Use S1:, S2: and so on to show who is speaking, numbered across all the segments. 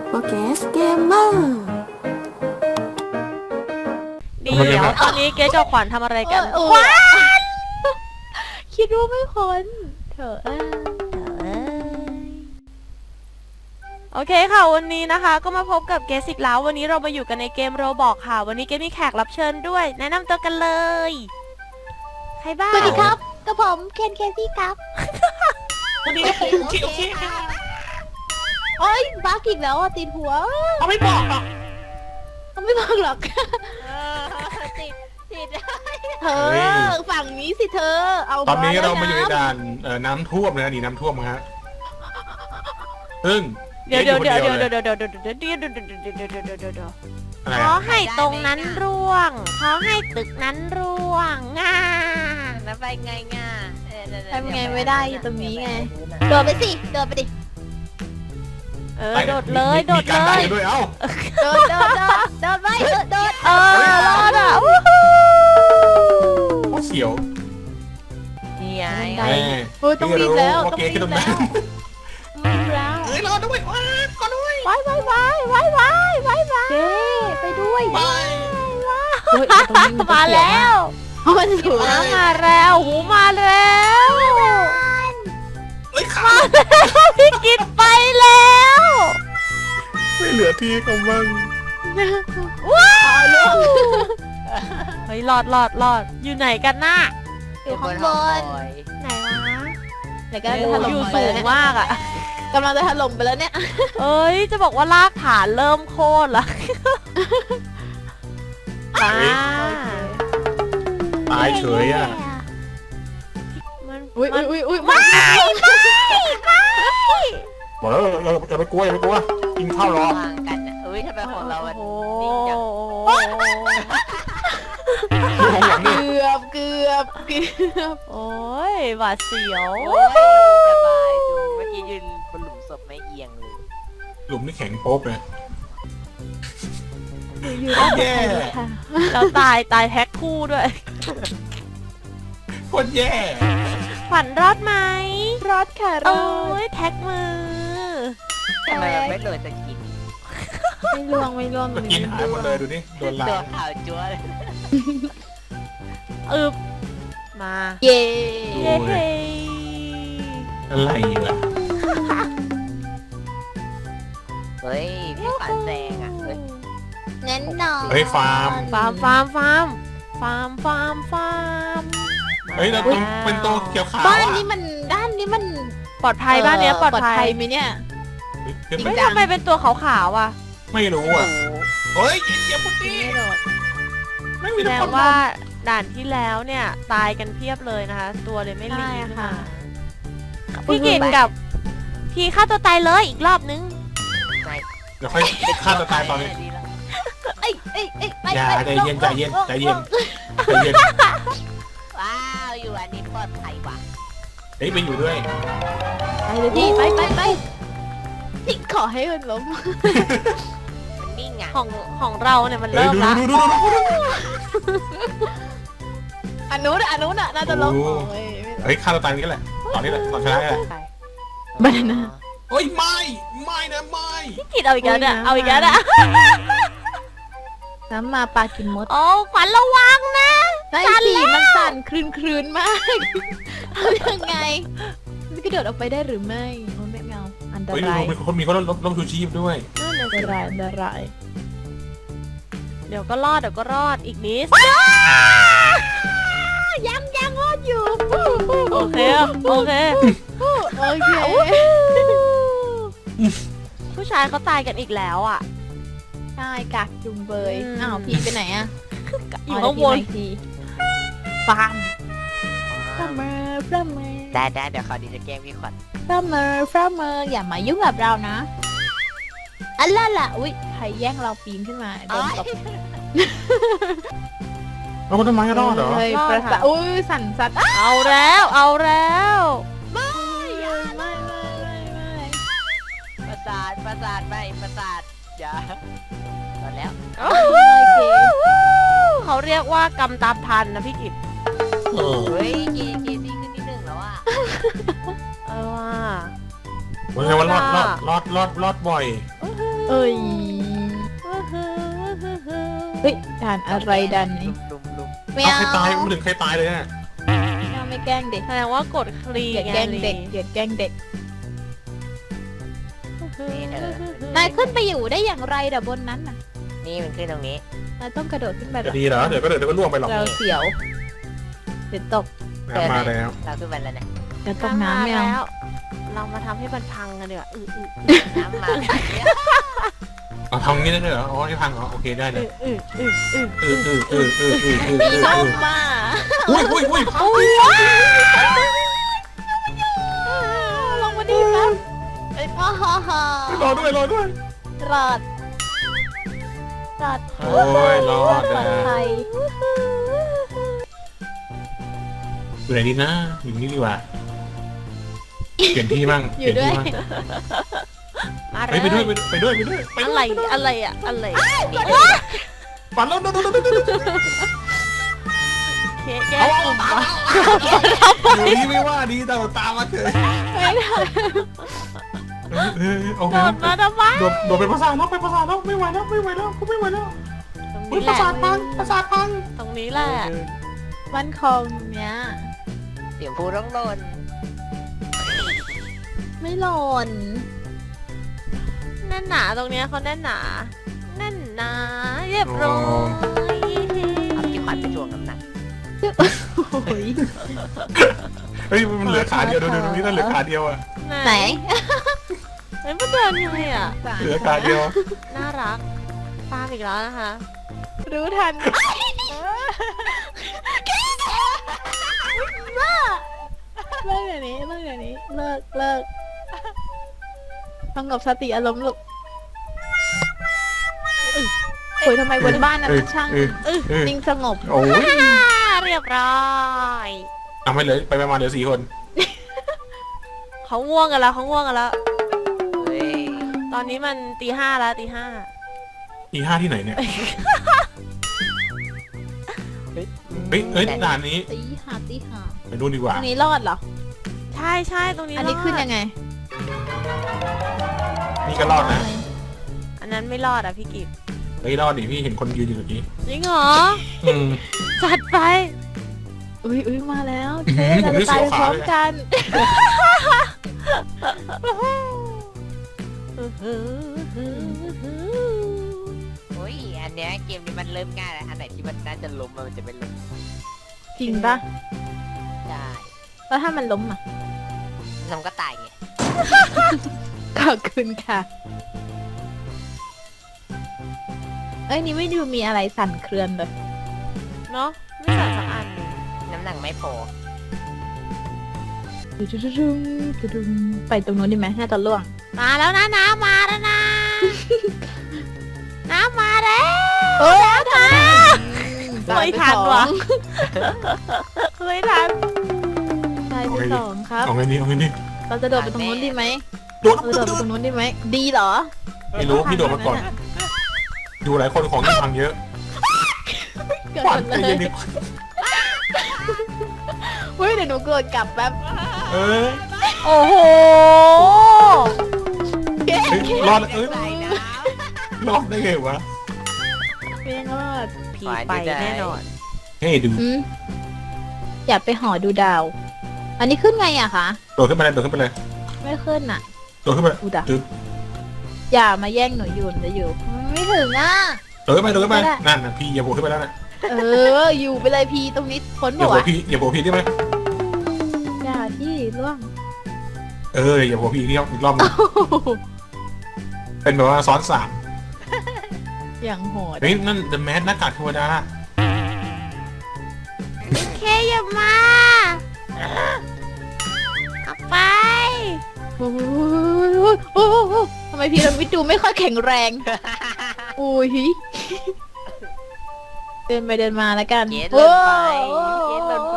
S1: โปเกสเกมเมอร์
S2: เดี๋ยวตอนนี้เกสกับขวัญทำอะไรกัน
S3: ขวัญคิดว่าไม่พ้นเถอะ
S2: โอเคค่ะวันนี้นะคะก็มาพบกับเกสอีกแล้ววันนี้เรามาอยู่กันในเกมโรบอกค่ะวันนี้เกสมีแขกรับเชิญด้วย แนะนำตัวกันเลยใครบ้าง
S3: สวัสดีครับกับผมเคนเคซี่ครับ
S4: วันนี้โอเคค่ะ
S3: โอ้ยบักอีกแล้วอ่ะติดหัว
S4: เขาไม่บอกหรอก
S3: เขาไม่บอกหรอก
S2: ติด
S3: เธอฝั่งนี้สิเธอเอา
S4: ตอนนี้เรามา
S3: แล้ว
S4: อยู่ในด่านน้ำท่วมนะดีน้ำท่วมฮะซึ่ง
S2: เดี๋ยว
S4: ขอ
S2: ให้ตรงนั้นร่วงขอให้ตึกนั้นร่วงง่าแล้วไปไงง่า
S3: ทำไงไม่ได้อยู่ตรงนี้ไงโดดไปสิโดดไปดิ
S2: โดดเลยโดด
S4: มีการ
S2: เล
S4: ได้
S2: ย
S4: ด้วยเอ้า
S3: โดดไปโดด
S2: รอดอ่ะวู้ฮู้
S4: เสียว
S2: นี่ไง
S4: แม่
S3: โอ้ยต้องรีบแล้ว
S4: ว่า
S3: ต้อง
S4: เก
S3: รี
S4: ย์ขึ้น
S3: บ
S4: ตรง
S3: แล้
S4: นั้
S3: วนรีบแล้ว
S4: เฮ้ยรอด้วยว้าก็ด้วย
S3: ไว้เจ๊ไปด้วย
S4: ไป
S3: เฮ้ยตรงนี้น
S2: มาแล้ว
S3: เพราะมันสูง
S2: มาแล้วหูมาแล้ว
S4: เฮ้ยขา
S2: พี่กินไปแล้ว
S4: ไม่เหลือที่เขาบ้าง
S2: ว้าวเฮ้ยรอดอยู่ไหนกันน่ะ
S3: อยู่ข้างบน
S2: ไหนวะ
S3: ไหนก็ถล่
S2: อ
S3: ม
S2: ยู่
S3: ไป
S2: สู
S3: แล้ว
S2: ง
S3: เนี่ย
S2: มากอ่ะ
S3: กำลังจะถล่มไปแล้วเนี่ย
S2: เอ้ยจะบอกว่ารากฐานเริ่มโค่นละมา
S4: ตายเฉยอ่ะ
S2: มัน
S3: อุ้ย
S2: มัน
S3: อุ้ย
S2: ไม่
S4: บอกแล้วอย่าไปกลัวอย่าไปกลัวกินข้าวรอ
S5: วางกันอ่ะเอ้ยทำไมของเราอ่ะ
S2: โอ้
S5: นิ่งจัง
S4: ดูของหลังนี่
S3: เกือบ
S2: โอ้ยหวาดเสียว
S5: โอ้ยสบายจูเมื่อกี้ยืนบนหลุมศพไม่เอียงเลย
S4: หลุมนี่แข็งโป๊บเลย
S3: อยู่
S4: แย่
S2: เราตายแท็กคู่ด้วย
S4: โคตรแย่
S2: ขวัญรอดไหม
S3: รอดค่ะร
S2: โอ้
S3: อด
S2: ยแท็กมือ
S5: ทำไมมันไม่โดนสกิน
S3: ไม่ล่วง
S4: สกินหายหมดเลยดูนี่โดนลา
S5: ตัวย ขาวจั๊วเลย
S2: อึบมา
S3: เย่
S2: เย้เฮ้
S4: อะไรล่ะ
S5: เฮ้ยพี่ฝันแซงอ่ะเฮ้ย
S3: แน่นอน
S4: เฮ้ยฟาร์ม
S2: ฟาร์ม
S4: เฮ้ยเราต้องเป็นตัวเขียวขาว
S3: บ้าน
S4: อ่ะ
S3: นี้มัน
S2: ปลอดภัยบ้านเนี้ยปลอดภัย
S3: ไหมเนี่ย
S4: เฮ้ย
S2: ไม่ทำไมเป็นตัวขาวๆอ่ะ
S4: ไม่รู้อ่ะเฮ้ยเจ็บปุ๊บนี่ไม่มี
S2: แสด
S4: ทุก
S2: ง
S4: คน
S2: ว่าด่านที่แล้วเนี่ยตายกันเพียบเลยนะคะ ตัวเลยไม่รี
S3: ใช่
S2: บ
S3: ค่ะ
S2: พี่กินกับพี่ฆ่าตัวตายเลยอีกรอบนึง
S4: เดี๋ยวค่อยฆ่าตัวตายตอนนี้
S5: ดีแล้ว
S3: เอ้ยไป
S4: อย่าใจเย็นใจเย็นใจเย็นใจเย็น
S5: ว้าวอยู่อันนี้ปลอดภัยว่ะ
S4: เฮ้ยไปอยู่ด้วย
S3: ไปเลยพี่ไปพี่ขอให้มันล้ม
S5: มันนิ่งอ่ะ
S2: ของเราเนี่ยมัน
S4: เฮ้ย
S2: เริ่ม
S4: ดู
S2: ละ
S4: ดู
S3: อันนู้นน่ะน่าจะล้ม
S4: โอ้
S3: โอ้ย
S4: เฮ้ยฆ่าตัวตายนี่แหละตอนนี้แหละตอนชนะนี่แหละ
S3: บานาน่า
S4: เฮ้ยไม่นะไม่
S2: พี่กินเอาอีกแล้วเนี่ย
S3: โอ้ยนะ
S2: เอาอีกแล้วนะ
S3: น้ำมาปลากินมด
S2: โอ้ขวัญระวังนะ
S3: ได้สิมันสั่นคลืนมากทำยังไงมันกระโดดออกไปได้หรือไม่โอ้ไม่เอาอันต
S4: เฮ้ย
S3: ราย
S4: มีคนล้มชูชีพด้วย
S3: อันตราย
S2: เดี๋ยวก็รอดอีกนิด
S3: ยังรอดอยู่
S2: โอเค
S3: โอเค
S2: ผู้ชายเขาตายกันอีกแล้วอ่ะ
S3: ใช่กักจุงเบย
S2: อืม
S3: อ้าวพี่ไปไหนอะ
S2: อยู่ข้างบน
S3: ฟาร์มฟาร์มเมอร์
S5: ได้เดี๋ยวเขาดีจะแกล้งพี่ขวัญ
S3: ฟาร์มเมอร์อย่ามายุ่งกับเรานะอันล่ะอุ้ยใครแย่งเราปีนขึ้นมาโดนตบ
S4: แล้วคนต้นไม้ก็รอดเหรอ
S3: เฮ้ยประสาทอุ้ยสั่นสัตว์
S2: เอาแล้ว
S3: ไม่
S5: ประสาทไม่ประสาทอย่าตอนแล้ว
S3: โอเค
S2: เขาเรียกว่ากำตามทันนะพี่กิต
S5: เฮ้ยเกซี่ขึ้นที่หนึ่งแล้วอ่ะ
S2: ว่า
S4: วันนี้ว่ารอดบ่อย
S2: อื้อหือ
S3: เอ้ยเฮ้ยด่านอะไรด่านนี้
S5: ลุม
S3: ไม่
S4: เอา
S3: เอา
S4: ใครตายไม่ถึงใครตายเลยเนี่ย
S3: ไม่แกล้งเด็ก
S2: แสดงว่ากดคลี
S3: อย่า
S2: ไง
S3: แกล้งเด็กอย่าแกล้งเด็ก
S5: นี่เธอน
S3: ายขึ้นไปอยู่ได้อย่างไรเดี๋ยวบนนั้นน่ะ
S5: นี่มันขึ้นตรงนี้
S3: นายต้องกระโดดขึ้นไป
S4: จะดีเหรอเดี๋ยวก็ล่วงไปหรอก
S3: เราเสียวเดี๋ยวตก
S4: น้ำมาแล้ว
S5: เราขึ้นไปแล้วเนี่ย
S3: เดี๋ยวตกน้ำไม่เอา
S2: แล้ว เรามาทำให้มันพังกันดีกว่า
S5: น้ำมา
S4: เอาทำงี้ได้ด้วยเหรออ๋อที่พังเหรอโอเคได้เลย
S3: มีส้มมา
S4: อุ้ย
S3: ลงมาดีครับฮ่าฮ่าฮ่าร
S4: อด้วย
S3: รอด
S4: โอ้ยรอด
S3: ปลอดภัย
S4: อยู่ไหนดีนะอยู่นี่ดีกว่าเปลี่ยนที่มั่ง
S3: อยู่ด้วย
S2: มาเล
S4: เฮ้ย
S2: ย
S4: ไปด้วย
S2: อะไรอะอะไร
S4: ปั่นแล้ว
S2: เคแก้กลุ่มวะ
S4: อยู่นี่ไม่ว่าดีแต่ตามมาเถอะ
S3: ไม่ได้
S4: โอเค
S2: โดดมาทำไม
S4: โดดเป็นภาษาแล้วไม่ไหวแล้วกูไม่ไหวแล้ว
S2: ตรง
S4: อุ้ย
S2: นี้แห
S4: ภา
S2: ละ
S4: ษาพัง
S2: ตรงนี้แหละ
S3: มันคงเนี้ย
S5: เดี๋ยวพูดต้องโดน
S3: ไม่หล่น
S2: แน่นหนาตรงเนี้ยเขาแน่นหนาแน่นหนาเรียบร้อย
S5: เอาที่ขวัญไปทวงน้ำหนัก
S3: โอ้ย
S4: เฮ้ยมันเหลือขาเดียวดูตรงนี้นั่นเหลือขาเดียวอะ
S3: ไหน
S2: เฮ้ยมันเดินยังไงอะ
S4: เหลือขาเดียว
S2: น่ารักตามอีกแล้วนะคะ
S3: รู้ทันเลิกเดี๋ยวนี้เลิกสงบสติอารมณ์ลูกโอ้ยทำไมบนบ้านนั้นมันช่างนิ่งสงบ
S4: โอ้ย
S2: เรียบร้อย
S4: ทำให้เหลือไปประมาณเหลือ4 คน
S2: เขาง่วงกันแล้ว
S5: เฮ้ย
S2: ตอนนี้มันตี 5แล้วตี 5
S4: อี5ที่ไหนเนี่ยเฮ้ยด่านนี้
S3: ตีหา
S4: ไปดูดีก
S3: ต
S4: ว่า
S3: รงนี้รอดเหรอ
S2: ใช่ตรงนี้
S3: อันนี้
S2: รด
S3: ขึ้นยังไง
S4: นี่ก็รอดนะ
S2: อันนั้นไม่รอดอ่ะพี่กิฟ
S4: เฮ้ยรอดดิพี่เห็นคนยืนอยู่ตรงนี้
S2: จริงเหรอ
S4: อืม
S2: จัดไป
S3: อุ้ยมาแล้ว
S4: อื้อหือ
S3: เราจะตาย
S4: ผม
S3: พร้อมกัน
S5: โอ้ยอันเนี้ยเกมนี้มันเริ่มง่ายแล้วอันไหนที่มันน่าจะล้มมันจะไม่ล้ม
S3: จริงปะ
S5: ได้
S3: แล้วถ้ามันล้มอ่ะ
S5: มันก็ตายไง
S3: ขอบคุณค่ะ เอ้ยนี่ไม่ดูมีอะไรสั่นเครือนเลย
S2: เนาะไม่สั่นสักอัน
S5: น้ำหนักไม่พอ
S3: ไปตรงนู้นดีไหมน่าจะล่วง
S2: มาแล้วนะน้ำมาแล้วนะ น้ำมาแล้ว
S3: เอ้ย
S2: ไม่ทันว่ะไม่ทัน
S3: ตายไปสองครับ
S4: เอาไงดี
S3: เราจะโดดไปตรงนู้นดีไหม
S4: โดด
S3: เราจะโดดไปตรงนู้นดีไหม ดีเหรอ
S4: ไม่รู้พี่โดดมาก่อนดูหลายคนของยังพังเยอะ
S3: เกิด
S4: ขวัญ
S3: เล
S4: ใจเย็
S3: ย
S4: นดิ
S3: เฮ้ยเดี๋ยวหนูโกรธกลับแป๊บ
S4: เอ้ย
S2: โอ้โห
S4: รอดเอ้ย
S5: ตายนะ
S4: รอดได้ไงวะ
S3: เพียงรอด
S2: ผีไปแน่นอน
S4: เฮ้ยดู
S3: อย่าไปหอดูดาว อันนี้ขึ้นไงอะคะ
S4: โดดขึ้นไปเลย
S3: ไม่ขึ้นอะ
S4: โดดขึ้นไป
S3: อุดะ
S4: ตึ๊บ
S3: อย่ามาแย่งหนูอยู่จะอยู่ ไม่ถึงอะ
S4: โดดขึ้นไปนั่นนะพี่อย่าโผล่ขึ้นไปแล้วนะ
S3: อยู่ไปเลยพีตรงนี้พ้น
S4: อย่า
S3: บ่
S4: โผล่
S3: วะ
S4: พี่อย่าโผล่พี่ได้ไหม
S3: อย่าที่ล่วง
S4: อย่าโผล่พี่อีกรอบนึงเป็นแบบว่าซ้อน3
S3: อย่างโหด
S4: เฮ้ยนั่น The Mask หน้ากากเทวดา
S2: เคอย่ามาเอาไป
S3: โอ้โหทำไมพีระมิดดูไม่ค่อยแข็งแรง อุ้ยเดินไปเดินมาแล้วกัน
S5: เกตเลินไปเกตเลินไป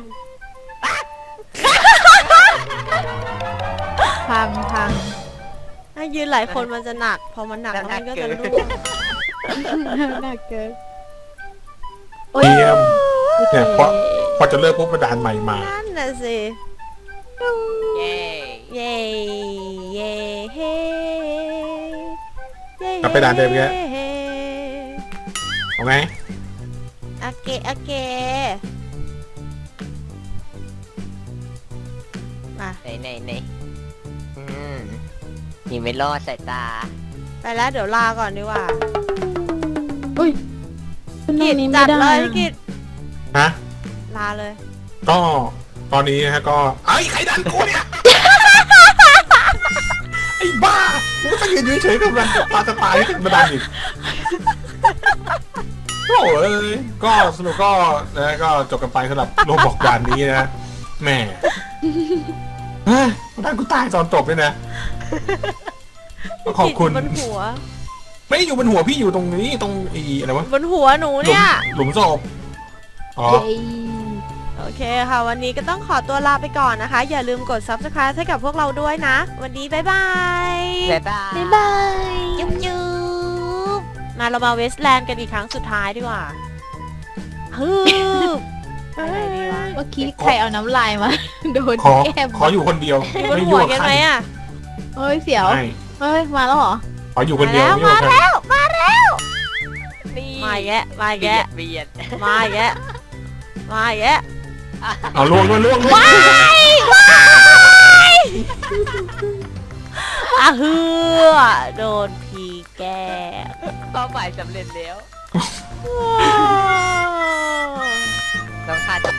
S3: พัง
S2: ถ้ายืนหลายคนมันจะหนัก พอมันหนักแล้วมันก็จะร่วง
S3: หนักเกิน
S4: เตรียมเนี่ยพอจะเลิกปุ๊บกระดานใหม่มา
S2: นั่นน่ะสิ
S5: เย้
S2: เย้ เย้ เฮ้ เย้
S4: กลับไปด่านเดิมอีกแล้ว เอาไง
S2: โอเคโอเคมา
S5: ไหนอืมนี่ไม่รอดสายตา
S2: ไปแล้วเดี๋ยวลาก่อนดีกว่า
S3: อุ้ยขึ้นตร
S2: กิ
S3: ง
S2: จ
S3: นี้
S2: จั
S3: ไม่
S2: ด
S3: ได้
S2: เลยพี่กิจ
S4: ฮะ
S2: ลาเลย
S4: ก็ตอนนี้นะฮะก็ไอ้ยใครดันกูเนี่ย ไอ้บ้ากูก็ยืนเฉยๆกับมันตาจะตายขึ้นมาดันอีกโอ้ยก็สรุปก็นะก็จบกันไปสำหรับโลบอกด่านนี้นะแหม่เฮ้ยดันกูตายตอนจบเลยนะก็ขอบคุณ
S2: บนหัว
S4: ไม่ได้อยู่บนหัวพี่อยู่ตรงนี้ตรงอีอะไรวะ
S2: บนหัวหนูเนี่ย
S4: หลุมศพอ๋อ
S3: เย้
S2: โอเคค่ะ วันนี้ก็ต้องขอตัวลาไปก่อนนะคะ อย่าลืมกด subscribe ให้กับพวกเราด้วยนะ วันนี้บ๊ายบาย
S5: บ๊ายบาย
S3: บ๊ายบาย
S2: จุ๊บจุ๊บมาเรามาเวสแลนด์กันอีกครั้งสุดท้ายดีกว่าฮึบไปไหนดีวะ
S3: เมื่อกี้ใครเอาน้ำลายมา โดน
S4: ขอ
S3: แก้ม
S4: ขออยู่คนเดียว
S2: อยู่บน
S4: ไม่
S2: หัว
S4: ยุ่ง
S2: กัน
S4: กับ
S2: ไห
S4: ใค
S2: ม
S4: ร
S2: อ่ะ
S3: เฮ้ยเสียว
S4: ไม่
S3: เฮ้ยมาแล้วเหรอ
S4: ขออยู่คนเดียว
S2: มา
S4: ไม่
S2: แล้
S4: ยุ่ง
S2: ว
S4: กับใคร
S5: นี่
S2: มาอีกแยะมาอีก
S5: เบี
S2: แยะ
S5: ยดเบียด
S2: มาอีกแยะมาอีกแยะ
S4: เอาล่วงล่วง
S2: ว้ายว้ายอ่ะเฮือโดนพีแกล้ง
S5: เป้าหมายสำเร็จแล้ว
S2: ว้าว
S5: ต้องฆ่า